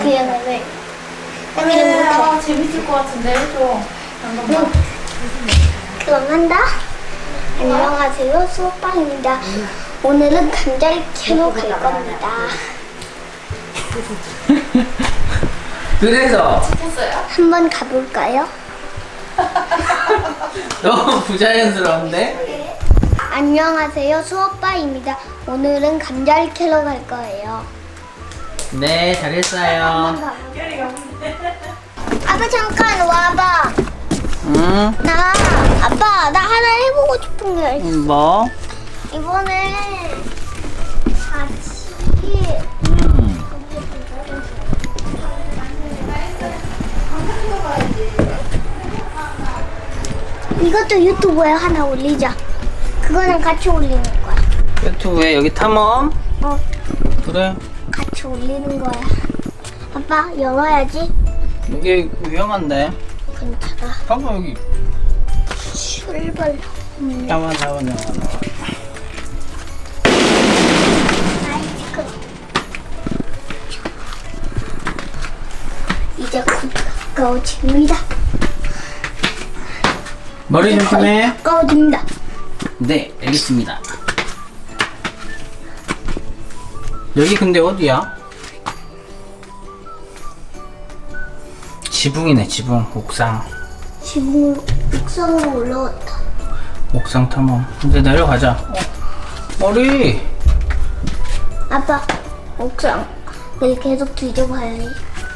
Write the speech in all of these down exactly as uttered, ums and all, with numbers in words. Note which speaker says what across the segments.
Speaker 1: 그냥 왜?
Speaker 2: 그래, 아, 재밌을 것 같은데, 좀. 잠깐만.
Speaker 1: 그럼 한다. 안녕하세요, 수업방입니다. 오늘은 감자를 캐러 갈 겁니다.
Speaker 3: 그래서
Speaker 2: 했어요?
Speaker 1: 한번 가볼까요?
Speaker 3: 너무 부자연스러운데?
Speaker 1: 안녕하세요, 수업방입니다. 오늘은 감자를 캐러 갈 거예요.
Speaker 3: 네, 잘했어요.
Speaker 1: 한번 가볼까요? 아빠 잠깐 와봐.
Speaker 3: 응?
Speaker 1: 나 아빠 나 하나 해보고 싶은 게 있어.
Speaker 3: 뭐?
Speaker 1: 이번에 같이
Speaker 3: 음.
Speaker 1: 이것도 유튜브에 하나 올리자. 그거는 같이 올리는 거야.
Speaker 3: 유튜브에 여기 탐험?
Speaker 1: 어,
Speaker 3: 그래.
Speaker 1: 같이 올리는 거야. 아빠 열어야지.
Speaker 3: 이게 위험한데.
Speaker 1: 괜찮아.
Speaker 3: 봐봐 여기.
Speaker 1: 출발. 음.
Speaker 3: 나와 나와 나와 나와.
Speaker 1: 아이스크림. 이제 곧 가까워집니다.
Speaker 3: 머리 조심해.
Speaker 1: 가까워집니다.
Speaker 3: 네, 알겠습니다. 여기 근데 어디야? 지붕이네, 지붕. 옥상.
Speaker 1: 지붕 옥상으로 올라왔다.
Speaker 3: 옥상 탐험. 이제 내려가자. 어. 머리.
Speaker 1: 아빠 옥상 늘 계속 뒤져봐야지.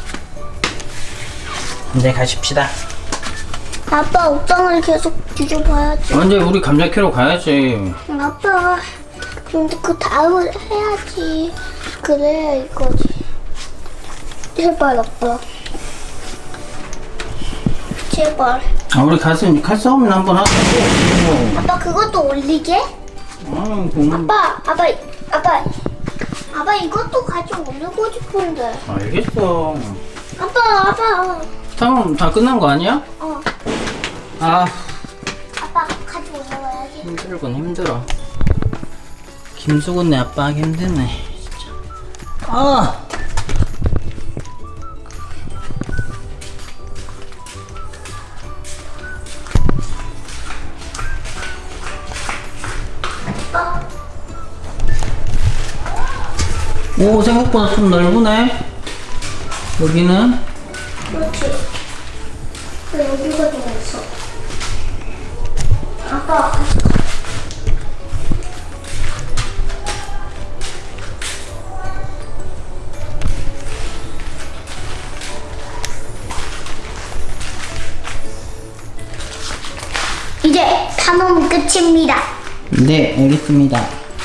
Speaker 3: 이제 가십시다.
Speaker 1: 아빠 옥상을 계속 뒤져봐야지.
Speaker 3: 언제 우리 감자 캐러 가야지.
Speaker 1: 아빠 근데 그 다음을 해야지. 그래야 이거지. 제발 아빠. 제발.
Speaker 3: 아, 우리 가서 칼싸움이나 한번 하자고.
Speaker 1: 아빠 그것도 올리게?
Speaker 3: 아, 공...
Speaker 1: 아빠 아빠 아빠 아빠 이것도 같이 올리고 싶은데.
Speaker 3: 알겠어.
Speaker 1: 아빠 아빠.
Speaker 3: 탐험 다 끝난 거 아니야?
Speaker 1: 어
Speaker 3: 아,
Speaker 1: 아빠 같이 올라와야지.
Speaker 3: 힘들군 힘들어. 김수근네 아빠 하기 힘드네 진짜. 아. 오, 생각보다 좀 넓으네. 여기는
Speaker 1: 그렇지. 왜 여기가 좀 있어? 아빠 같이 가. 이제 탐험 끝입니다.
Speaker 3: 네, 알겠습니다.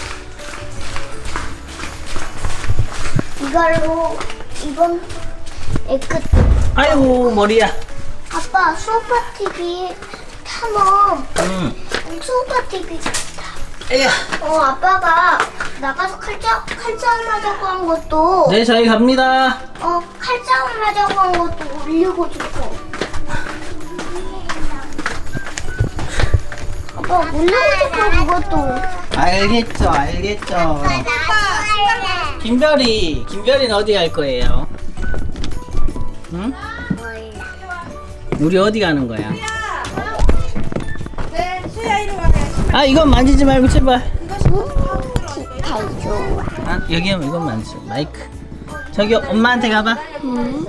Speaker 1: 이걸로 이번 애 끝.
Speaker 3: 아이고 머리야.
Speaker 1: 아빠 수오파티비 탐험.
Speaker 3: 응.
Speaker 1: 수오파티비 같다.
Speaker 3: 에야.
Speaker 1: 어 아빠가 나가서 칼싸 칼싸움 하자고 한 것도.
Speaker 3: 네, 저희 갑니다.
Speaker 1: 어 칼싸움 하자고 한 것도 올리고 싶어. 아빠 올리고 싶어 그것도.
Speaker 3: 알겠죠, 알겠죠. 김별이, 김별이는 어디 갈 거예요? 응? 우리 어디 가는 거야?
Speaker 2: 네, 수야 이리 와.
Speaker 3: 아, 이건 만지지 말고 제발.
Speaker 1: 기타 좋아.
Speaker 3: 아, 여기 하면 이건 만지. 마이크. 저기 엄마한테 가봐.
Speaker 1: 응.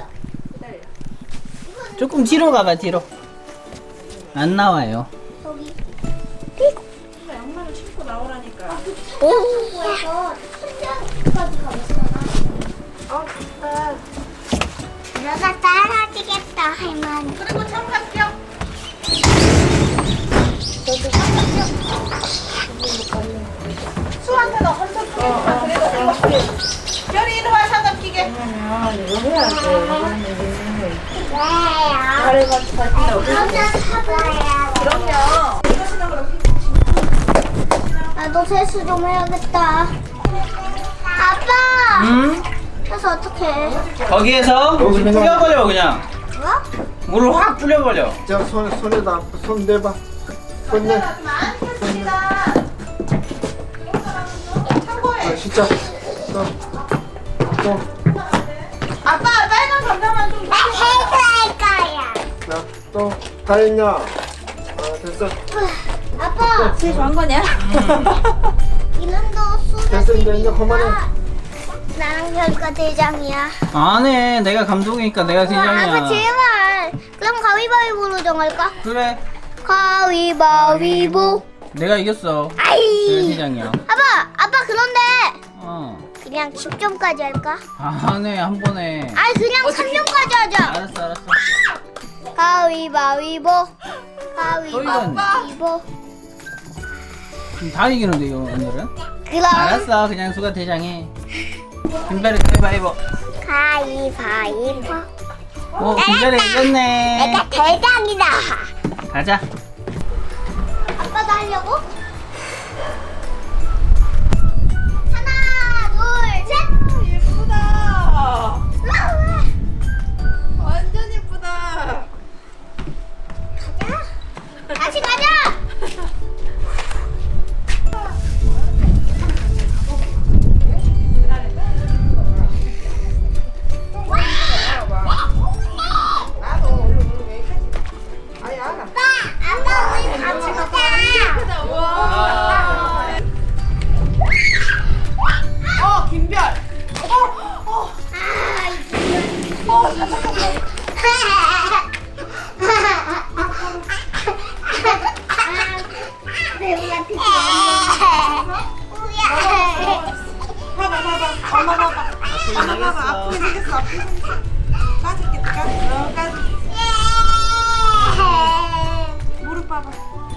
Speaker 3: 조금 뒤로 가봐, 뒤로. 안 나와요.
Speaker 1: 여기.
Speaker 2: 양말을 신고 나오라니까.
Speaker 1: 응. 천장까지 가봤잖아.
Speaker 2: 어, 아,
Speaker 1: 들어가 따라지겠다 할머니.
Speaker 2: 그리고 장갑 껴. 수한테는 헌터 끼게. 아, 그래도 이거. 별이 이리 와, 장갑 끼게. 아, 이거 해야 돼.
Speaker 1: 왜요? 그러면 사봐요.
Speaker 2: 그럼요. 이거 신는 거로
Speaker 1: 나도 세수 좀 해야겠다. 아빠!
Speaker 3: 응?
Speaker 1: 세수 어떡해?
Speaker 3: 거기에서 물 뿌려버려, 그냥.
Speaker 1: 뭐?
Speaker 3: 물을 확 뿌려버려.
Speaker 4: 자, 손, 손에다, 손 내봐. 손 내.
Speaker 2: 참고해.
Speaker 4: 아, 진짜. 또, 또.
Speaker 2: 아빠, 빨간 전자만 좀.
Speaker 1: 나 해할 거야.
Speaker 4: 자, 또 다 했냐? 아, 됐어.
Speaker 1: 아빠,
Speaker 2: 제일 좋아한 거냐?
Speaker 1: 이놈도
Speaker 4: 됐어, 이제, 이제
Speaker 1: 수제비니까
Speaker 4: 그만해.
Speaker 1: 나랑 별이가 대장이야.
Speaker 3: 안해. 내가 감독이니까 내가
Speaker 1: 아빠
Speaker 3: 대장이야.
Speaker 1: 제발. 그럼 가위바위보로 정할까?
Speaker 3: 그래.
Speaker 1: 가위바위보.
Speaker 3: 내가 이겼어. 내가
Speaker 1: 아이.
Speaker 3: 대장이야.
Speaker 1: 아빠, 아빠 그런데
Speaker 3: 어.
Speaker 1: 그냥 십 점까지 할까?
Speaker 3: 안해 한 번에.
Speaker 1: 아니 그냥 삼 점까지 하자.
Speaker 3: 알았어 알았어.
Speaker 1: 가위바위보.
Speaker 3: 이겼네.
Speaker 1: 가위바위보.
Speaker 3: 지금 다 이기는데 이거 오늘은.
Speaker 1: 그럼
Speaker 3: 알았어. 그냥 수가 대장해. 김별이 가위바위보.
Speaker 1: 가위바위보.
Speaker 3: 오 김별이 이겼네.
Speaker 1: 내가 대장이다.
Speaker 3: 가자.
Speaker 1: 아빠도 하려고? 하나, 둘, 셋.
Speaker 2: 예쁘다.
Speaker 1: 우와.
Speaker 2: 완전 예쁘다.
Speaker 1: 가자. 다시 가자.
Speaker 2: 나도 얼른 얼른 왜 하지? 아니 알아.
Speaker 1: 아빠, 아빠 우리 다 먹자.
Speaker 2: 예쁘다. 와. 어 김별. 어 어.
Speaker 1: 아,
Speaker 2: 어 잠깐만.
Speaker 1: 배우가 피자.
Speaker 2: 봐봐 봐봐. 엄마 봐봐. 엄마 봐봐. 아프게 생겼어. 아프게 생겼어. 까짓겠다. 까짓. 어 까짓. 무릎 봐봐.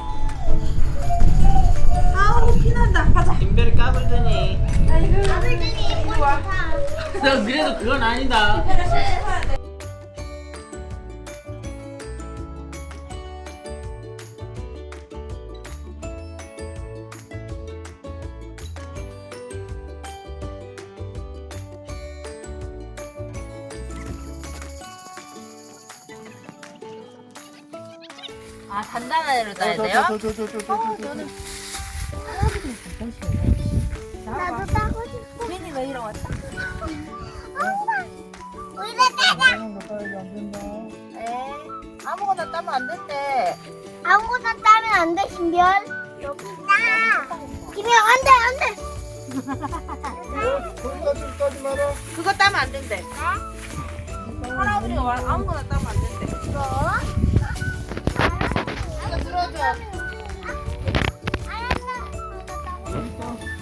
Speaker 2: 아우 피난다. 가자.
Speaker 3: 김별이 까불더니.
Speaker 2: 아이고.
Speaker 1: 아버님이
Speaker 2: 이리 와.
Speaker 3: 너 그래도 그건 아니다.
Speaker 2: 아 단단한 애로 따야 돼요?
Speaker 1: 나도 따고 싶어.
Speaker 2: 괜히 왜 이러 왔다?
Speaker 1: 엄마, 우리가 따자.
Speaker 2: 에 아무거나 따면 안 된대.
Speaker 1: 아무거나 따면 안 돼, 신별. 여기다. 김영 안 돼, 안 돼.
Speaker 4: 거기까지 따지 마라.
Speaker 2: 그거 따면 안 된대. 할아버지가 말 아무거나 따면 안 된대.
Speaker 1: 이거.
Speaker 2: 이거 들어줘.
Speaker 1: 알았어.